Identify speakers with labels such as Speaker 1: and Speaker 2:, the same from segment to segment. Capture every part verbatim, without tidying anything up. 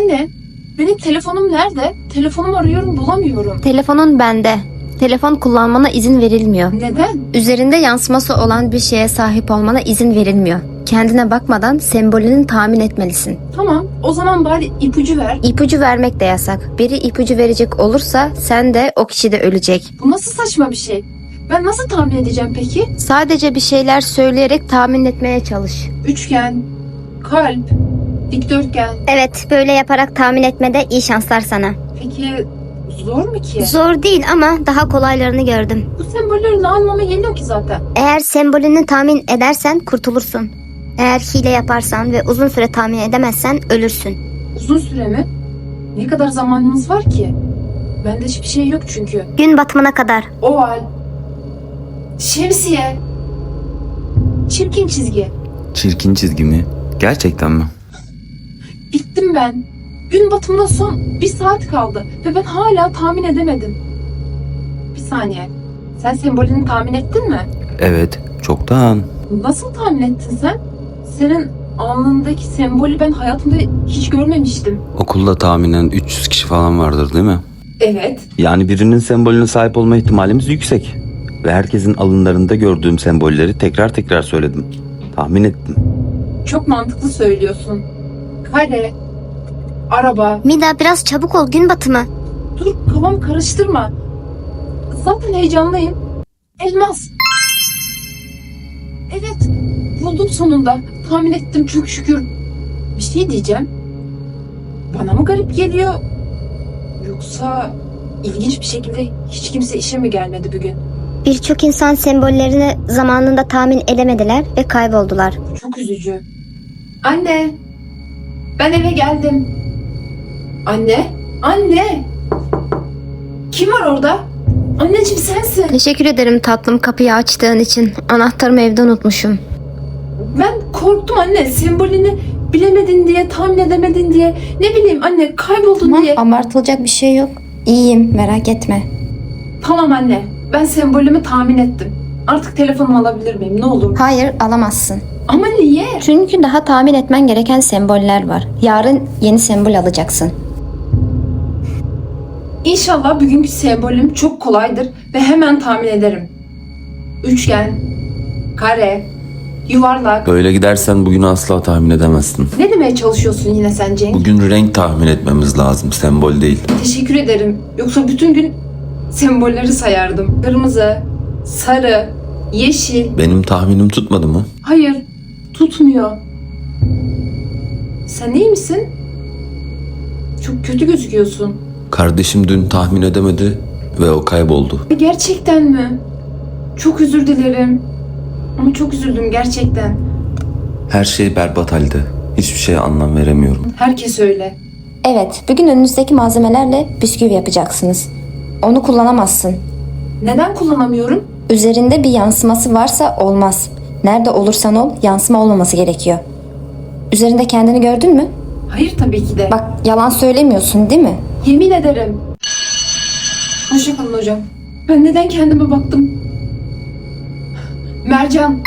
Speaker 1: Anne, benim telefonum nerede? Telefonumu arıyorum, bulamıyorum.
Speaker 2: Telefonun bende. Telefon kullanmana izin verilmiyor.
Speaker 1: Neden?
Speaker 2: Üzerinde yansıması olan bir şeye sahip olmana izin verilmiyor. Kendine bakmadan sembolünü tahmin etmelisin.
Speaker 1: Tamam, o zaman bari ipucu ver.
Speaker 2: İpucu vermek de yasak. Biri ipucu verecek olursa sen de o kişi de ölecek.
Speaker 1: Bu nasıl saçma bir şey? Ben nasıl tahmin edeceğim peki?
Speaker 2: Sadece bir şeyler söyleyerek tahmin etmeye çalış.
Speaker 1: Üçgen, kalp, dikdörtgen.
Speaker 3: Evet, böyle yaparak tahmin etmede iyi şanslar sana.
Speaker 1: Peki zor mu ki?
Speaker 3: Zor değil ama daha kolaylarını gördüm.
Speaker 1: Bu sembolleri ne anlama geliyor ki zaten?
Speaker 3: Eğer sembolünü tahmin edersen kurtulursun. Eğer hile yaparsan ve uzun süre tahmin edemezsen ölürsün.
Speaker 1: Uzun süre mi? Ne kadar zamanımız var ki? Bende hiçbir şey yok çünkü.
Speaker 3: Gün batımına kadar.
Speaker 1: Oval, şemsiye, çirkin çizgi.
Speaker 4: Çirkin çizgi mi? Gerçekten mi?
Speaker 1: Bittim ben. Gün batımına son bir saat kaldı ve ben hala tahmin edemedim. Bir saniye. Sen sembolünü tahmin ettin mi?
Speaker 4: Evet, çoktan.
Speaker 1: Nasıl tahmin ettin sen? Senin alnındaki sembolü ben hayatımda hiç görmemiştim.
Speaker 4: Okulda tahminen üç yüz kişi falan vardır değil mi?
Speaker 1: Evet.
Speaker 4: Yani birinin sembolüne sahip olma ihtimalimiz yüksek. Ve herkesin alınlarında gördüğüm sembolleri tekrar tekrar söyledim. Tahmin ettim.
Speaker 1: Çok mantıklı söylüyorsun. Kare, araba.
Speaker 3: Mida biraz çabuk ol, gün batımı.
Speaker 1: Dur, kafamı karıştırma. Zaten heyecanlıyım. Elmas. Evet, buldum sonunda. Tahmin ettim çok şükür. Bir şey diyeceğim. Bana mı garip geliyor? Yoksa ilginç bir şekilde hiç kimse işe mi gelmedi bugün?
Speaker 3: Birçok insan sembollerini zamanında tahmin edemediler ve kayboldular.
Speaker 1: Çok üzücü. Anne, ben eve geldim. Anne, anne. Kim var orada? Anneciğim sensin.
Speaker 2: Teşekkür ederim tatlım kapıyı açtığın için. Anahtarımı evde unutmuşum.
Speaker 1: Ben korktum anne. Sembolünü bilemedin diye, tahmin edemedin diye. Ne bileyim anne, kayboldun
Speaker 2: Tamam,
Speaker 1: diye.
Speaker 2: abartılacak bir şey yok. İyiyim, merak etme.
Speaker 1: Tamam anne, ben sembolümü tahmin ettim. Artık telefonumu alabilir miyim? Ne olur.
Speaker 2: Hayır, alamazsın.
Speaker 1: Ama niye?
Speaker 2: Çünkü daha tahmin etmen gereken semboller var. Yarın yeni sembol alacaksın.
Speaker 1: İnşallah bugünkü sembolüm çok kolaydır ve hemen tahmin ederim. Üçgen, kare, yuvarlak.
Speaker 4: Böyle gidersen bugünü asla tahmin edemezsin.
Speaker 1: Ne demeye çalışıyorsun yine sen Cenk?
Speaker 4: Bugün renk tahmin etmemiz lazım, sembol değil.
Speaker 1: Teşekkür ederim. Yoksa bütün gün sembolleri sayardım. Kırmızı, sarı, yeşil.
Speaker 4: Benim tahminim tutmadı mı?
Speaker 1: Hayır, tutmuyor. Sen iyi misin? Çok kötü gözüküyorsun.
Speaker 4: Kardeşim dün tahmin edemedi ve o kayboldu.
Speaker 1: Gerçekten mi? Çok özür dilerim. Ama çok üzüldüm gerçekten.
Speaker 4: Her şey berbat halde. Hiçbir şeye anlam veremiyorum.
Speaker 1: Herkes öyle.
Speaker 2: Evet, bugün önünüzdeki malzemelerle bisküvi yapacaksınız. Onu kullanamazsın.
Speaker 1: Neden kullanamıyorum?
Speaker 2: Üzerinde bir yansıması varsa olmaz. Nerede olursan ol, yansıma olmaması gerekiyor. Üzerinde kendini gördün mü?
Speaker 1: Hayır tabii ki de.
Speaker 2: Bak, yalan söylemiyorsun değil mi?
Speaker 1: Yemin ederim. Hoşçakalın hocam. Ben neden kendime baktım? Mercan.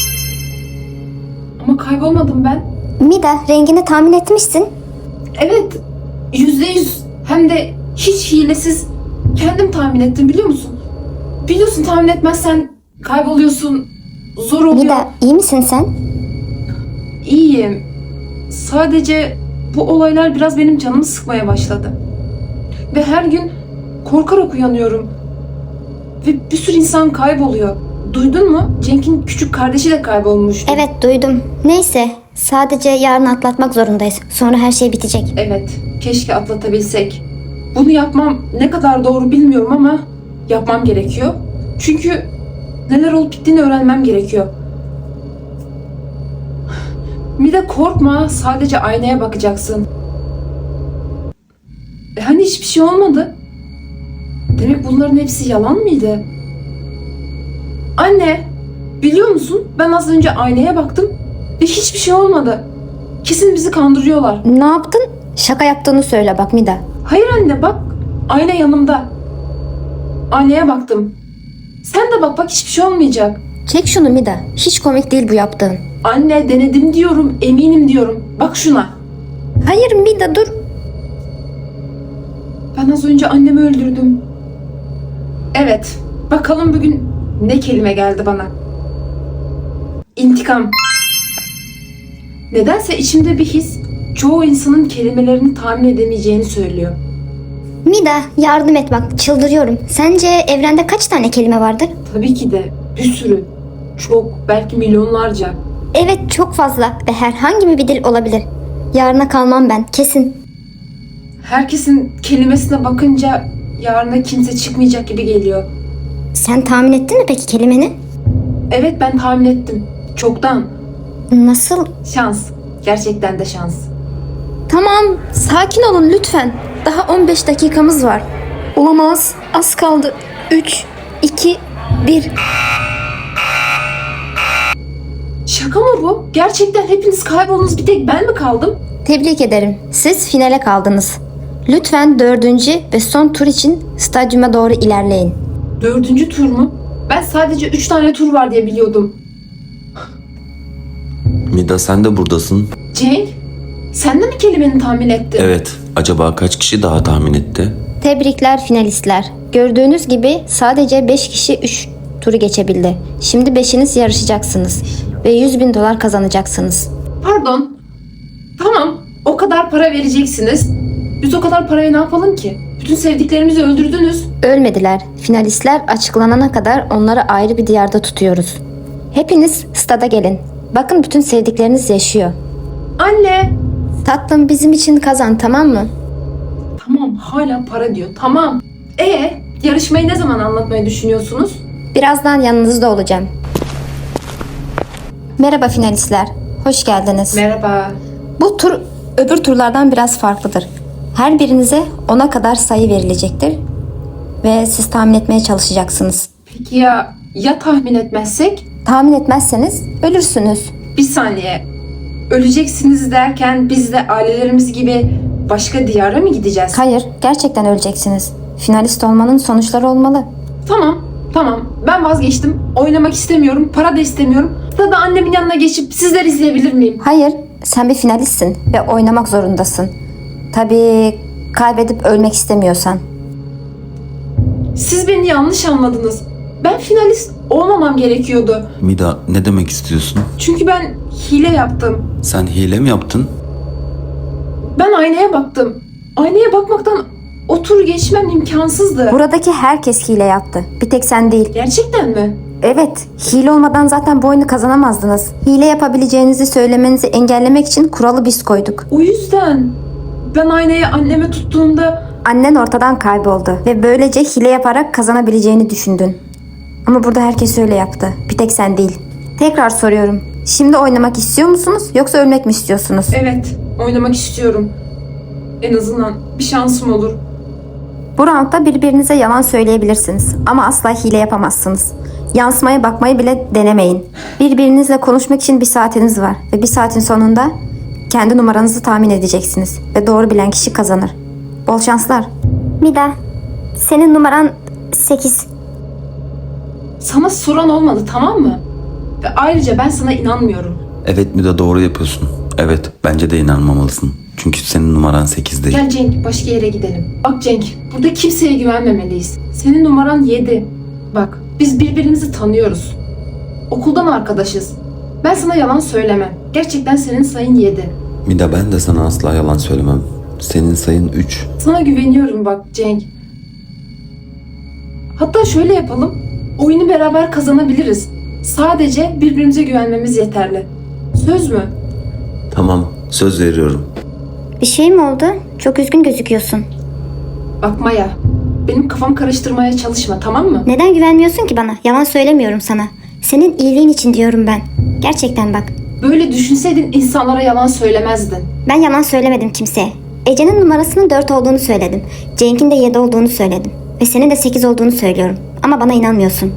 Speaker 1: Ama kaybolmadım ben.
Speaker 3: Mida, rengini tahmin etmişsin.
Speaker 1: Evet. Yüzde yüz. Hem de hiç hilesiz. Kendim tahmin ettim biliyor musun? Biliyorsun tahmin etmezsen kayboluyorsun. Zor oluyor.
Speaker 3: Mida, iyi misin sen?
Speaker 1: İyiyim. Sadece bu olaylar biraz benim canımı sıkmaya başladı. Ve her gün korkarak uyanıyorum. Ve bir sürü insan kayboluyor. Duydun mu? Cenk'in küçük kardeşi de kaybolmuştu.
Speaker 3: Evet, duydum. Neyse, sadece yarın atlatmak zorundayız. Sonra her şey bitecek.
Speaker 1: Evet, keşke atlatabilsek. Bunu yapmam ne kadar doğru bilmiyorum ama yapmam gerekiyor. Çünkü neler olup bittiğini öğrenmem gerekiyor. Bir de korkma, sadece aynaya bakacaksın. E hani hiçbir şey olmadı? Demek bunların hepsi yalan mıydı? Anne, biliyor musun? Ben az önce aynaya baktım ve hiçbir şey olmadı. Kesin bizi kandırıyorlar.
Speaker 2: Ne yaptın? Şaka yaptığını söyle bak Mida.
Speaker 1: Hayır anne bak, ayna yanımda. Aynaya baktım. Sen de bak bak hiçbir şey olmayacak.
Speaker 2: Çek şunu Mida. Hiç komik değil bu yaptığın.
Speaker 1: Anne denedim diyorum, eminim diyorum. Bak şuna.
Speaker 2: Hayır Mida dur.
Speaker 1: Ben az önce annemi öldürdüm. Evet. Bakalım bugün ne kelime geldi bana. İntikam. Nedense içimde bir his çoğu insanın kelimelerini tahmin edemeyeceğini söylüyor.
Speaker 3: Mida, yardım et bak, çıldırıyorum. Sence evrende kaç tane kelime vardır?
Speaker 1: Tabii ki de bir sürü. Çok, belki milyonlarca.
Speaker 3: Evet, çok fazla ve herhangi bir dil olabilir. Yarına kalmam ben, kesin.
Speaker 1: Herkesin kelimesine bakınca yarına kimse çıkmayacak gibi geliyor.
Speaker 3: Sen tahmin ettin mi peki kelimeni?
Speaker 1: Evet, ben tahmin ettim. Çoktan.
Speaker 3: Nasıl?
Speaker 1: Şans. Gerçekten de şans.
Speaker 2: Tamam, sakin olun lütfen. Daha on beş dakikamız var. Olamaz, az kaldı. üç, iki, bir.
Speaker 1: Şaka mı bu? Gerçekten hepiniz kayboldunuz, bir tek ben mi kaldım?
Speaker 2: Tebrik ederim. Siz finale kaldınız. Lütfen dördüncü ve son tur için stadyuma doğru ilerleyin.
Speaker 1: Dördüncü tur mu? Ben sadece üç tane tur var diye biliyordum.
Speaker 4: Mida sen de buradasın.
Speaker 1: Cenk, sen de mi kelimeni tahmin ettin?
Speaker 4: Evet. Acaba kaç kişi daha tahmin etti?
Speaker 2: Tebrikler finalistler. Gördüğünüz gibi sadece beş kişi üç turu geçebildi. Şimdi beşiniz yarışacaksınız ve yüz bin dolar kazanacaksınız.
Speaker 1: Pardon. Tamam, o kadar para vereceksiniz. Biz o kadar parayı ne yapalım ki? Bütün sevdiklerimizi öldürdünüz.
Speaker 2: Ölmediler. Finalistler açıklanana kadar onları ayrı bir diyarda tutuyoruz. Hepiniz stada gelin. Bakın bütün sevdikleriniz yaşıyor.
Speaker 1: Anne.
Speaker 2: Tatlım bizim için kazan, tamam mı?
Speaker 1: Tamam, hala para diyor. Tamam. E yarışmayı ne zaman anlatmayı düşünüyorsunuz?
Speaker 2: Birazdan yanınızda olacağım. Merhaba finalistler. Hoş geldiniz.
Speaker 1: Merhaba.
Speaker 2: Bu tur öbür turlardan biraz farklıdır. Her birinize ona kadar sayı verilecektir ve siz tahmin etmeye çalışacaksınız.
Speaker 1: Peki ya ya tahmin etmezsek?
Speaker 2: Tahmin etmezseniz ölürsünüz.
Speaker 1: Bir saniye. Öleceksiniz derken biz de ailelerimiz gibi başka diyara mı gideceğiz?
Speaker 2: Hayır, gerçekten öleceksiniz. Finalist olmanın sonuçları olmalı.
Speaker 1: Tamam, tamam. Ben vazgeçtim. Oynamak istemiyorum. Para da istemiyorum. Da annemin yanına geçip sizler izleyebilir miyim?
Speaker 2: Hayır, sen bir finalistsin ve oynamak zorundasın. Tabii kaybedip ölmek istemiyorsan.
Speaker 1: Siz beni yanlış anladınız. Ben finalist olmamam gerekiyordu.
Speaker 4: Mida ne demek istiyorsun?
Speaker 1: Çünkü ben hile yaptım.
Speaker 4: Sen hile mi yaptın?
Speaker 1: Ben aynaya baktım. Aynaya bakmaktan o turu geçmem imkansızdı.
Speaker 2: Buradaki herkes hile yaptı. Bir tek sen değil.
Speaker 1: Gerçekten mi?
Speaker 2: Evet, hile olmadan zaten bu oyunu kazanamazdınız. Hile yapabileceğinizi söylemenizi engellemek için kuralı biz koyduk.
Speaker 1: O yüzden ben aynayı anneme tuttuğumda
Speaker 2: Annen ortadan kayboldu ve böylece hile yaparak kazanabileceğini düşündün. Ama burada herkes öyle yaptı. Bir tek sen değil. Tekrar soruyorum. Şimdi oynamak istiyor musunuz yoksa ölmek mi istiyorsunuz?
Speaker 1: evet, oynamak istiyorum. En azından bir şansım olur.
Speaker 2: Bu roundda birbirinize yalan söyleyebilirsiniz ama asla hile yapamazsınız. Yansımaya bakmayı bile denemeyin. Birbirinizle konuşmak için bir saatiniz var ve bir saatin sonunda kendi numaranızı tahmin edeceksiniz ve doğru bilen kişi kazanır. Bol şanslar.
Speaker 3: Mida, senin numaran sekiz.
Speaker 1: Sana soran olmadı, tamam mı? Ve ayrıca ben sana inanmıyorum.
Speaker 4: Evet Mida doğru yapıyorsun. Evet bence de inanmamalısın. Çünkü senin numaran sekiz değil.
Speaker 1: Gel Cenk, başka yere gidelim. Bak Cenk, burada kimseye güvenmemeliyiz. Senin numaran yedi. Bak, biz birbirimizi tanıyoruz. Okuldan arkadaşız. Ben sana yalan söylemem. Gerçekten senin sayın yedi.
Speaker 4: Mida ben de sana asla yalan söylemem. Senin sayın üç.
Speaker 1: Sana güveniyorum bak Cenk. Hatta şöyle yapalım. Oyunu beraber kazanabiliriz. Sadece birbirimize güvenmemiz yeterli. Söz mü?
Speaker 4: Tamam söz veriyorum.
Speaker 3: Bir şey mi oldu? Çok üzgün gözüküyorsun.
Speaker 1: Bak Maya, benim kafam karıştırmaya çalışma, tamam mı?
Speaker 3: Neden güvenmiyorsun ki bana? Yalan söylemiyorum sana. Senin iyiliğin için diyorum ben. Gerçekten bak.
Speaker 1: Böyle düşünseydin insanlara yalan söylemezdin.
Speaker 3: Ben yalan söylemedim kimseye. Ece'nin numarasının dört olduğunu söyledim. Cenk'in de yedi olduğunu söyledim. Ve senin de sekiz olduğunu söylüyorum. Ama bana inanmıyorsun.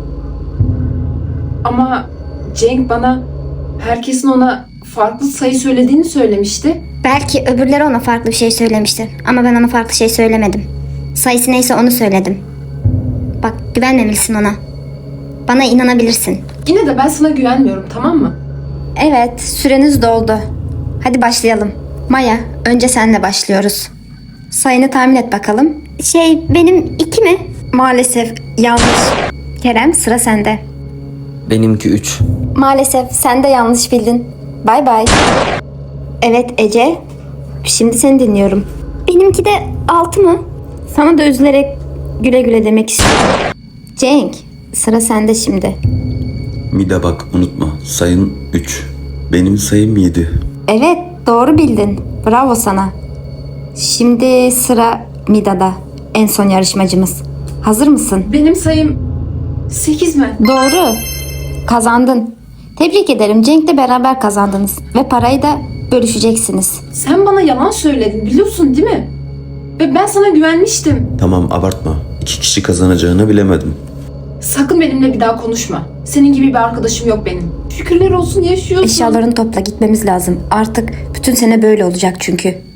Speaker 1: Ama Cenk bana herkesin ona farklı sayı söylediğini söylemişti.
Speaker 3: Belki öbürleri ona farklı bir şey söylemiştir. Ama ben ona farklı şey söylemedim. Sayısı neyse onu söyledim. Bak, güvenmemelisin ona. Bana inanabilirsin.
Speaker 1: Yine de ben sana güvenmiyorum, tamam mı?
Speaker 2: Evet, süreniz doldu. Hadi başlayalım. Maya, önce senle başlıyoruz. Sayını tahmin et bakalım.
Speaker 3: Şey benim iki mi?
Speaker 2: Maalesef yanlış. Kerem, sıra sende.
Speaker 5: Benimki üç.
Speaker 2: Maalesef sen de yanlış bildin. Bay bay. Evet Ece. Şimdi seni dinliyorum.
Speaker 3: Benimki de altı mı?
Speaker 2: Sana da üzülerek güle güle demek istiyorum. Cenk, sıra sende şimdi.
Speaker 6: Mida bak unutma. Sayın üç. Benim sayım yedi.
Speaker 2: Evet, doğru bildin. Bravo sana. Şimdi sıra Mida'da. En son yarışmacımız. Hazır mısın?
Speaker 1: Benim sayım sekiz mi?
Speaker 2: Doğru. Kazandın. Tebrik ederim. Cenk'le beraber kazandınız. Ve parayı da bölüşeceksiniz.
Speaker 1: Sen bana yalan söyledin biliyorsun değil mi? Ve ben sana güvenmiştim.
Speaker 6: Tamam abartma. İki kişi kazanacağını bilemedim.
Speaker 1: Sakın benimle bir daha konuşma. Senin gibi bir arkadaşım yok benim. Şükürler olsun yaşıyorsun.
Speaker 2: Eşyalarını topla, gitmemiz lazım. Artık bütün sene böyle olacak çünkü.